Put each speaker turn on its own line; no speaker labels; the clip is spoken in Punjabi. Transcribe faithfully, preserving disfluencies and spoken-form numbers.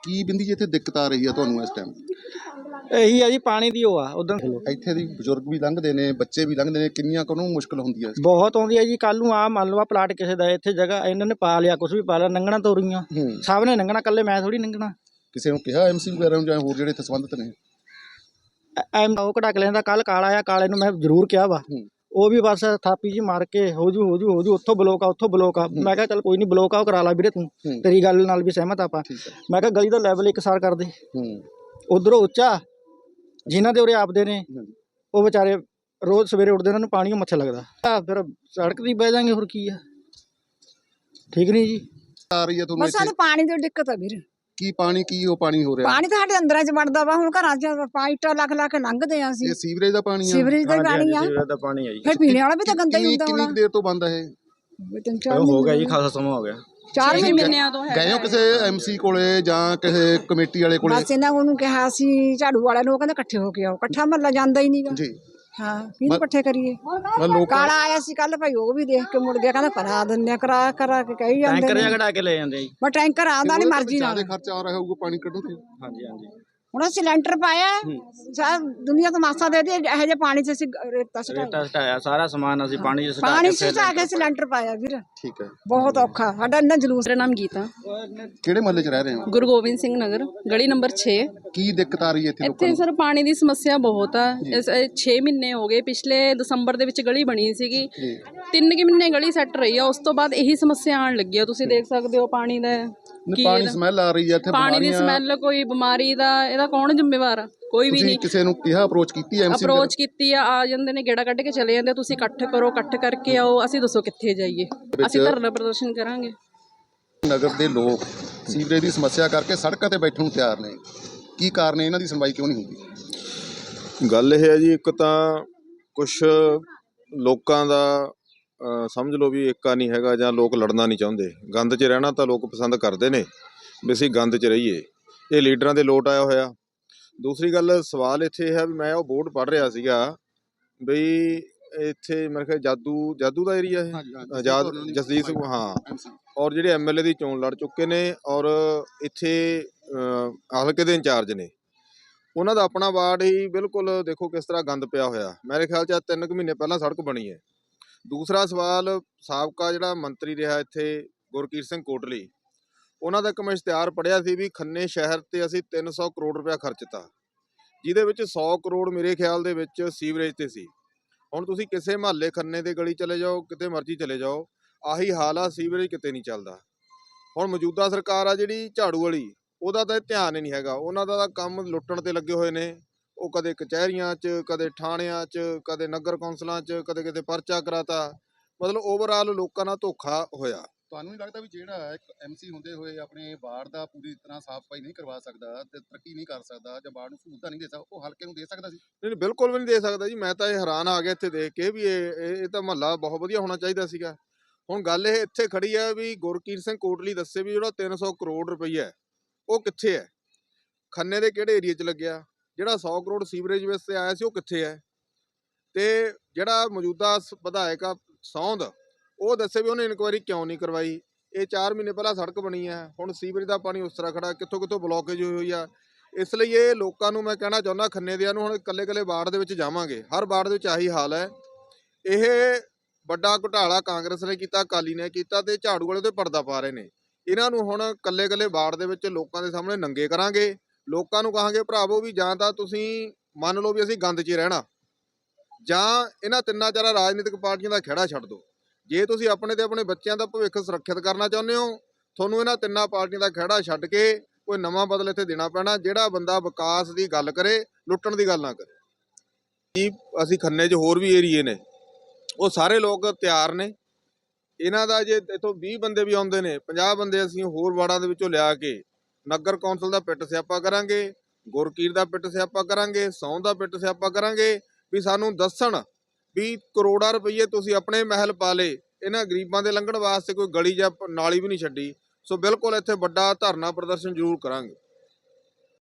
ਕੀ ਬਿੰਦੀ ਜੀ ਇੱਥੇ ਦਿੱਕਤ ਆ ਰਹੀ ਆ ਤੁਹਾਨੂੰ ਇਸ ਟਾਈਮ?
ਇਹੀ ਹੈ ਜੀ, ਪਾਣੀ ਦੀ ਉਹ ਆ ਉਦੋਂ
ਇੱਥੇ ਦੀ ਬਜ਼ੁਰਗ ਵੀ ਲੰਘਦੇ ਨੇ, ਬੱਚੇ ਵੀ ਲੰਘਦੇ ਨੇ, ਕਿੰਨੀਆਂ ਕੁ ਨੂੰ ਮੁਸ਼ਕਲ ਹੁੰਦੀ ਹੈ?
ਬਹੁਤ ਆਉਂਦੀ ਹੈ ਜੀ। ਕੱਲ ਨੂੰ ਆ ਮੰਨ ਲਓ ਆ ਪਲਾਟ ਕਿਸੇ ਦਾ ਇੱਥੇ ਜਗ੍ਹਾ ਇਹਨਾਂ ਨੇ ਪਾ ਲਿਆ, ਕੁਛ ਵੀ ਪਾ ਲਿਆ, ਲੰਘਣਾ ਤੋਰੀਆਂ ਸਭ ਨੇ ਲੰਘਣਾ, ਕੱਲੇ ਮੈਂ ਥੋੜੀ ਲੰਘਣਾ।
ਕਿਸੇ ਨੂੰ ਕਿਹਾ ਐਮਸੀ ਵਗੈਰਾ ਨੂੰ ਜਾਂ ਹੋਰ ਜਿਹੜੇ ਇੱਥੇ ਸੰਬੰਧਿਤ ਨੇ?
ਐਮ ਉਹ ਕਢਾ ਕੇ ਲੈਂਦਾ, ਕੱਲ ਕਾਲਾ ਆ, ਕਾਲੇ ਨੂੰ ਮੈਂ ਜ਼ਰੂਰ ਕਿਹਾ ਵਾ, ਉਹ ਵੀ ਬਸ ਥਾਪੀ ਜੀ ਮਾਰ ਕੇ ਹੋ ਜੂ ਹੋ ਜੂ ਹੋ ਜੂ, ਉੱਥੋਂ ਬਲੋਕ ਆ ਉੱਥੋਂ ਬਲੋਕ ਆ। ਮੈਂ ਕਿਹਾ ਚੱਲ ਕੋਈ ਨਹੀਂ, ਬਲੋਕ ਆ ਉਹ ਕਰਾ ਲਾ ਵੀਰੇ, ਤੂੰ ਤੇਰੀ ਗੱਲ ਨਾਲ ਵੀ ਸਹਿਮਤ ਆਪਾਂ। ਮੈਂ ਕਿਹਾ ਗਲੀ ਦਾ ਲੈਵਲ ਇੱਕ ਸਾਰ ਕਰ ਦੇ, ਉਧਰੋਂ ਉੱਚਾ ਜਿਨ੍ਹਾਂ ਦੇ ਉਰੇ ਆਪਦੇ ਨੇ ਉਹ ਵਿਚਾਰੇ ਰੋਜ਼ ਸਵੇਰੇ ਉੱਠਦੇ, ਉਹਨਾਂ ਨੂੰ ਪਾਣੀ ਮੱਛਰ ਲੱਗਦਾ, ਫਿਰ ਸੜਕ ਦੀ ਬਹਿ ਜਾਾਂਗੇ, ਹੋਰ ਕੀ ਆ। ਠੀਕ ਨਹੀਂ ਜੀ,
ਆ ਰਹੀ ਹੈ ਤੁਹਾਨੂੰ
ਬਸ ਸਾਨੂੰ ਪਾਣੀ ਦੀ ਦਿੱਕਤ ਆ ਵੀਰ।
ਕੀ ਪਾਣੀ ਕੀ ਉਹ ਪਾਣੀ ਹੋ ਰਿਹਾ?
ਪਾਣੀ ਤਾਂ ਸਾਡੇ ਅੰਦਰਾਂ ਚ ਵੜਦਾ ਵਾ, ਹੁਣ ਘਰਾਂ ਚ ਪਾਈਟਾਂ ਲੱਖ ਲੱਖ ਲੰਘਦੇ ਆ ਅਸੀਂ।
ਇਹ ਸੀਵਰੇਜ ਦਾ ਪਾਣੀ ਆ?
ਸੀਵਰੇਜ ਦਾ ਪਾਣੀ ਆ,
ਸੀਵਰੇਜ ਦਾ ਪਾਣੀ ਆ ਜੀ।
ਫਿਰ ਪੀਣੇ ਵਾਲਾ ਵੀ ਤਾਂ ਗੰਦਾ ਹੀ ਹੁੰਦਾ ਹੋਣਾ।
ਕਿੰਨੀ ਦੇਰ ਤੋਂ ਬੰਦ ਹੈ ਇਹ?
ਤਿੰਨ ਚਾਰ
ਹੋ ਗਿਆ ਜੀ, ਖਾਸਾ ਸਮਾਂ ਹੋ ਗਿਆ,
ਚਾਰ ਮਹੀਨਿਆਂ ਤੋਂ।
ਗਏ ਹੋ ਕਿਸੇ ਐਮਸੀ ਕੋਲੇ ਜਾਂ ਕਿਸੇ ਕਮੇਟੀ ਵਾਲੇ ਕੋਲੇ?
ਬਸ ਇਹਨਾਂ ਨੂੰ ਕਿਹਾ ਸੀ ਝਾੜੂ ਵਾਲਿਆਂ ਨੂੰ, ਕਹਿੰਦੇ ਇਕੱਠੇ ਹੋ ਕੇ ਆਓ, ਇਕੱਠਾ ਮਹੱਲਾ ਜਾਂਦਾ ਹੀ ਨਹੀਂਗਾ ਜੀ। ਹਾਂ, ਕਿਹਨੂੰ ਇਕੱਠੇ ਕਰੀਏ? ਕਾਲਾ ਆਇਆ ਸੀ ਕੱਲ ਭਾਈ, ਉਹ ਵੀ ਦੇਖ ਕੇ ਮੁੜ ਗਿਆ, ਕਹਿੰਦਾ ਕਰਾ ਦਿੰਦੇ ਆ, ਕਰਾ ਕਰਾ ਕੇ ਕਹੀ ਜਾਂਦੇ
ਟੈਂਕਰ ਜਿਹਾ ਕਢਾ ਕੇ ਲੈ ਜਾਂਦੇ ਆ ਜੀ।
ਬਸ ਟੈਂਕਰ ਆਉਂਦਾ ਨਹੀਂ ਮਰਜ਼ੀ ਨਾਲ।
ਜ਼ਿਆਦਾ ਖਰਚਾ ਆ ਰਿਹਾ ਹੋਊਗਾ ਪਾਣੀ ਕੱਢਣ ਤੇ।
ਹਾਂਜੀ ਹਾਂਜੀ,
ਹੁਣ ਸਿਲੰਡਰ ਪਾਇਆ, ਸਾਰਾ ਦੁਨੀਆ ਤੋਂ ਮਾਸਾ ਦੇ ਦੇ, ਇਹੋ ਜਿਹੇ ਪਾਣੀ ਚ ਅਸੀਂ ਰੇਤਾ
ਰੇਤਾ ਸਟਾਇਆ, ਸਾਰਾ ਸਮਾਨ ਅਸੀਂ ਪਾਣੀ ਚ
ਪਾਣੀ ਚ ਸਟਾ ਕੇ ਸਿਲੰਡਰ ਪਾਇਆ ਵੀਰ।
ਠੀਕ ਹੈ,
ਬਹੁਤ ਔਖਾ ਸਾਡਾ ਇੰਨਾ ਜਲੂਸ।
ਮੇਰਾ ਨਾਮ ਗੀਤਾ,
ਕਿਹੜੇ ਮਹੱਲੇ 'ਚ ਰਹਿ ਰਹੇ ਹੋ?
ਗੁਰੂ ਗੋਬਿੰਦ ਸਿੰਘ ਨਗਰ, ਗਲੀ ਨੰਬਰ ਛੇ।
ਕੀ ਦਿੱਕਤ ਆ ਰਹੀ ਹੈ ਇੱਥੇ ਲੋਕਾਂ
ਇੱਥੇ
ਨੂੰ?
ਸਰ ਪਾਣੀ ਦੀ ਸਮੱਸਿਆ ਬਹੁਤ ਆ। ਛੇ ਮਹੀਨੇ ਹੋ ਗਏ, ਪਿਛਲੇ ਦਸੰਬਰ ਦੇ ਵਿੱਚ ਗਲੀ ਬਣੀ ਸੀਗੀ, ਤਿੰਨ ਕਿ ਮਹੀਨੇ ਗਲੀ ਸੈੱਟ ਰਹੀ ਆ, ਉਸ ਤੋਂ ਬਾਅਦ ਇਹੀ ਸਮੱਸਿਆ ਆਉਣ ਲੱਗੀ ਆ। ਤੁਸੀਂ ਦੇਖ ਸਕਦੇ ਹੋ ਪਾਣੀ ਦਾ ਕੀ,
ਪਾਣੀ ਸਮੈਲ ਆ ਰਹੀ ਹੈ ਇੱਥੇ,
ਪਾਣੀ ਦੀ ਸਮੈਲ, ਕੋਈ ਬਿਮਾਰੀ ਦਾ ਇਹਦਾ ਕੌਣ ਜ਼ਿੰਮੇਵਾਰ ਆ? ਕੋਈ ਵੀ ਨਹੀਂ।
ਕਿਸੇ ਨੂੰ ਕਿਹਾ, ਅਪਰੋਚ ਕੀਤੀ ਐਮਸੀ?
ਅਪਰੋਚ ਕੀਤੀ ਆ, ਆ ਜਾਂਦੇ ਨੇ, ਗੇੜਾ ਕੱਢ ਕੇ ਚਲੇ ਜਾਂਦੇ, ਤੁਸੀਂ ਇਕੱਠ ਕਰੋ, ਇਕੱਠ ਕਰਕੇ ਆਓ, ਅਸੀਂ ਦੱਸੋ ਕਿੱਥੇ ਜਾਈਏ, ਅਸੀਂ ਧਰਨਾ ਪ੍ਰਦਰਸ਼ਨ ਕਰਾਂਗੇ।
ਨਗਰ ਦੇ ਲੋਕ ਸੀਵਰੇਜ ਦੀ ਸਮੱਸਿਆ ਕਰਕੇ ਸੜਕਾਂ ਤੇ ਬੈਠਣ ਨੂੰ ਤਿਆਰ ਨੇ, ਕੀ ਕਾਰਨ ਹੈ, ਇਹਨਾਂ ਦੀ ਸੁਣਵਾਈ ਕਿਉਂ ਨਹੀਂ ਹੁੰਦੀ?
ਗੱਲ ਇਹ ਹੈ ਜੀ, ਇੱਕ ਤਾਂ ਕੁਛ ਲੋਕਾਂ ਦਾ ਸਮਝ ਲਓ ਵੀ ਏਕਾ ਨਹੀਂ ਹੈਗਾ, ਜਾਂ ਲੋਕ ਲੜਨਾ ਨਹੀਂ ਚਾਹੁੰਦੇ। ਗੰਦ 'ਚ ਰਹਿਣਾ ਤਾਂ ਲੋਕ ਪਸੰਦ ਕਰਦੇ ਨੇ ਵੀ ਅਸੀਂ ਗੰਦ 'ਚ ਰਹੀਏ, ਇਹ ਲੀਡਰਾਂ ਦੇ ਲੋਟ ਆਇਆ ਹੋਇਆ। ਦੂਸਰੀ ਗੱਲ, ਸਵਾਲ ਇੱਥੇ ਇਹ ਹੈ ਵੀ ਮੈਂ ਉਹ ਬੋਰਡ ਪੜ੍ਹ ਰਿਹਾ ਸੀਗਾ ਬਈ ਇੱਥੇ ਮੇਰੇ ਖਿਆਲ ਜਾਦੂ ਜਾਦੂ ਦਾ ਏਰੀਆ ਹੈ, ਆਜ਼ਾਦ ਜਸਦੀਪ ਸਿੰਘ, ਹਾਂ, ਔਰ ਜਿਹੜੇ ਐਮ ਐਲ ਏ ਦੀ ਚੋਣ ਲੜ ਚੁੱਕੇ ਨੇ, ਔਰ ਇੱਥੇ ਹਲਕੇ ਦੇ ਇੰਚਾਰਜ ਨੇ, ਉਹਨਾਂ ਦਾ ਆਪਣਾ ਵਾਰਡ ਹੀ ਬਿਲਕੁਲ ਦੇਖੋ ਕਿਸ ਤਰ੍ਹਾਂ ਗੰਦ ਪਿਆ ਹੋਇਆ। ਮੇਰੇ ਖਿਆਲ 'ਚ ਤਿੰਨ ਕੁ ਮਹੀਨੇ ਪਹਿਲਾਂ ਸੜਕ ਬਣੀ ਹੈ। ਦੂਸਰਾ ਸਵਾਲ, ਸਾਬਕਾ ਜਿਹੜਾ ਮੰਤਰੀ ਰਿਹਾ ਇੱਥੇ ਗੁਰਕੀਰਤ ਸਿੰਘ ਕੋਟਲੀ, ਉਹਨਾਂ ਦਾ ਇੱਕ ਮੈਂ ਇਸ਼ਤਿਹਾਰ ਪੜ੍ਹਿਆ ਸੀ ਵੀ ਖੰਨੇ ਸ਼ਹਿਰ 'ਤੇ ਅਸੀਂ ਤਿੰਨ ਸੌ ਕਰੋੜ ਰੁਪਇਆ ਖਰਚਤਾ, ਜਿਹਦੇ ਵਿੱਚ ਸੌ ਕਰੋੜ ਮੇਰੇ ਖਿਆਲ ਦੇ ਵਿੱਚ ਸੀਵਰੇਜ 'ਤੇ ਸੀ। ਹੁਣ ਤੁਸੀਂ ਕਿਸੇ ਮੁਹੱਲੇ ਖੰਨੇ ਦੇ ਗਲੀ ਚਲੇ ਜਾਓ, ਕਿਤੇ ਮਰਜ਼ੀ ਚਲੇ ਜਾਓ, ਆਹੀ ਹਾਲ ਆ, ਸੀਵਰੇਜ ਕਿਤੇ ਨਹੀਂ ਚੱਲਦਾ। ਹੁਣ ਮੌਜੂਦਾ ਸਰਕਾਰ ਆ ਜਿਹੜੀ ਝਾੜੂ ਵਾਲੀ, ਉਹਦਾ ਤਾਂ ਧਿਆਨ ਹੀ ਨਹੀਂ ਹੈਗਾ, ਉਹਨਾਂ ਦਾ ਤਾਂ ਕੰਮ ਲੁੱਟਣ 'ਤੇ ਲੱਗੇ ਹੋਏ ਨੇ। ਉਹ ਕਦੇ ਕਚਹਿਰੀਆਂ 'ਚ, ਕਦੇ ਥਾਣਿਆਂ 'ਚ, ਕਦੇ ਨਗਰ ਕੌਂਸਲਾਂ 'ਚ, ਕਦੇ ਕਿਤੇ ਪਰਚਾ ਕਰਾਤਾ, ਮਤਲਬ ਓਵਰਆਲ ਲੋਕਾਂ ਨਾਲ ਧੋਖਾ ਹੋਇਆ।
ਤੁਹਾਨੂੰ ਨਹੀਂ ਲੱਗਦਾ ਵੀ ਜਿਹੜਾ ਇੱਕ ਐਮਸੀ ਹੁੰਦੇ ਹੋਏ ਆਪਣੇ ਵਾਰਡ ਦਾ ਪੂਰੀ ਤਰ੍ਹਾਂ ਸਾਫ਼ ਸਫਾਈ ਨਹੀਂ ਕਰਵਾ ਸਕਦਾ ਤੇ ਤਰੱਕੀ ਨਹੀਂ ਕਰ ਸਕਦਾ ਜਾਂ ਵਾਰਡ ਨੂੰ ਸਹੂਲਤਾਂ ਨਹੀਂ ਦੇ ਸਕਦਾ, ਉਹ ਹਲਕੇ ਨੂੰ ਦੇ ਸਕਦਾ ਸੀ?
ਨਹੀਂ, ਬਿਲਕੁਲ ਵੀ ਨਹੀਂ ਦੇ ਸਕਦਾ ਜੀ। ਮੈਂ ਤਾਂ ਇਹ ਹੈਰਾਨ ਆ ਗਿਆ ਇੱਥੇ ਦੇਖ ਕੇ ਵੀ ਇਹ ਇਹ ਤਾਂ ਮਹੱਲਾ ਬਹੁਤ ਵਧੀਆ ਹੋਣਾ ਚਾਹੀਦਾ ਸੀਗਾ। ਹੁਣ ਗੱਲ ਇਹ ਇੱਥੇ ਖੜੀ ਹੈ ਵੀ ਗੁਰਕੀਰਤ ਸਿੰਘ ਕੋਟਲੀ ਦੱਸੇ ਵੀ ਜਿਹੜਾ ਤਿੰਨ ਸੌ ਕਰੋੜ ਰੁਪਈਆ ਉਹ ਕਿੱਥੇ ਹੈ, ਖੰਨੇ ਦੇ ਕਿਹੜੇ ਏਰੀਏ 'ਚ ਲੱਗਿਆ? ਜਿਹੜਾ ਸੌ ਕਰੋੜ ਸੀਵਰੇਜ ਵਾਸਤੇ ਆਇਆ ਸੀ ਉਹ ਕਿੱਥੇ ਹੈ? ਤੇ ਜਿਹੜਾ ਮੌਜੂਦਾ ਵਿਧਾਇਕ ਆ ਸੌਂਦ, ਉਹ ਦੱਸੇ ਵੀ ਉਹਨੇ ਇਨਕੁਆਇਰੀ ਕਿਉਂ ਨਹੀਂ ਕਰਵਾਈ। ਇਹ ਚਾਰ ਮਹੀਨੇ ਪਹਿਲਾਂ ਸੜਕ ਬਣੀ ਹੈ, ਹੁਣ ਸੀਵਰੇਜ ਦਾ ਪਾਣੀ ਉਸ ਤਰ੍ਹਾਂ ਖੜਾ, ਕਿੱਥੋਂ ਕਿੱਥੋਂ ਬਲੋਕੇਜ ਹੋਈ ਹੋਈ ਆ। ਇਸ ਲਈ ਇਹ ਲੋਕਾਂ ਨੂੰ ਮੈਂ ਕਹਿਣਾ ਚਾਹੁੰਦਾ, ਖੰਨੇ ਦਿਆਂ ਨੂੰ, ਹੁਣ ਇਕੱਲੇ ਇਕੱਲੇ ਵਾਰਡ ਦੇ ਵਿੱਚ ਜਾਵਾਂਗੇ, ਹਰ ਵਾਰਡ ਦੇ ਵਿੱਚ ਆਹੀ ਹਾਲ ਹੈ। ਇਹ ਵੱਡਾ ਘੁਟਾਲਾ ਕਾਂਗਰਸ ਨੇ ਕੀਤਾ, ਅਕਾਲੀ ਨੇ ਕੀਤਾ, ਤੇ ਝਾੜੂ ਵਾਲੇ ਤੇ ਪਰਦਾ ਪਾ ਰਹੇ ਨੇ। ਇਹਨਾਂ ਨੂੰ ਹੁਣ ਇਕੱਲੇ ਇਕੱਲੇ ਵਾਰਡ ਦੇ ਵਿੱਚ ਲੋਕਾਂ ਦੇ ਸਾਹਮਣੇ ਨੰਗੇ ਕਰਾਂਗੇ। ਲੋਕਾਂ ਨੂੰ ਕਹਾਂਗੇ ਭਰਾਵੋ ਵੀ ਜਾਂ ਤਾਂ ਤੁਸੀਂ ਮੰਨ ਲਓ ਵੀ ਅਸੀਂ ਗੰਦ 'ਚ ਹੀ ਰਹਿਣਾ, ਜਾਂ ਇਹਨਾਂ ਤਿੰਨਾਂ ਚਾਰਾਂ ਰਾਜਨੀਤਿਕ ਪਾਰਟੀਆਂ ਦਾ ਖਹਿੜਾ ਛੱਡ ਦਿਓ। ਜੇ ਤੁਸੀਂ ਆਪਣੇ ਤੇ ਆਪਣੇ ਬੱਚਿਆਂ ਦਾ ਭਵਿੱਖ ਸੁਰੱਖਿਅਤ ਕਰਨਾ ਚਾਹੁੰਦੇ ਹੋ, ਤੁਹਾਨੂੰ ਇਹਨਾਂ ਤਿੰਨਾਂ ਪਾਰਟੀਆਂ ਦਾ ਖਹਿੜਾ ਛੱਡ ਕੇ ਕੋਈ ਨਵਾਂ ਬਦਲ ਇੱਥੇ ਦੇਣਾ ਪੈਣਾ, ਜਿਹੜਾ ਬੰਦਾ ਵਿਕਾਸ ਦੀ ਗੱਲ ਕਰੇ, ਲੁੱਟਣ ਦੀ ਗੱਲ ਨਾ ਕਰੇ। ਜੀ ਅਸੀਂ ਖੰਨੇ 'ਚ ਹੋਰ ਵੀ ਏਰੀਏ ਨੇ, ਉਹ ਸਾਰੇ ਲੋਕ ਤਿਆਰ ਨੇ। ਇਹਨਾਂ ਦਾ ਜੇ ਇੱਥੋਂ ਵੀਹ ਬੰਦੇ ਵੀ ਆਉਂਦੇ ਨੇ, ਪੰਜਾਹ ਬੰਦੇ ਅਸੀਂ ਹੋਰ ਵਾਰਡਾਂ ਦੇ ਵਿੱਚੋਂ ਲਿਆ ਕੇ ਨਗਰ ਕੌਂਸਲ ਦਾ ਪਿੱਟ ਸਿਆਪਾ ਕਰਾਂਗੇ, ਗੁਰਕੀਰ ਦਾ ਪਿੱਟ ਸਿਆਪਾ ਕਰਾਂਗੇ, ਸੌਂ ਦਾ ਪਿੱਟ ਸਿਆਪਾ ਕਰਾਂਗੇ ਵੀ ਸਾਨੂੰ ਦੱਸਣ ਵੀ ਕਰੋੜਾਂ ਰੁਪਈਏ ਤੁਸੀਂ ਆਪਣੇ ਮਹਿਲ ਪਾ ਲਏ, ਇਹਨਾਂ ਗਰੀਬਾਂ ਦੇ ਲੰਘਣ ਵਾਸਤੇ ਕੋਈ ਗਲੀ ਜਾਂ ਨਾਲੀ ਵੀ ਨਹੀਂ ਛੱਡੀ। ਸੋ ਬਿਲਕੁਲ ਇੱਥੇ ਵੱਡਾ ਧਰਨਾ ਪ੍ਰਦਰਸ਼ਨ ਜ਼ਰੂਰ ਕਰਾਂਗੇ।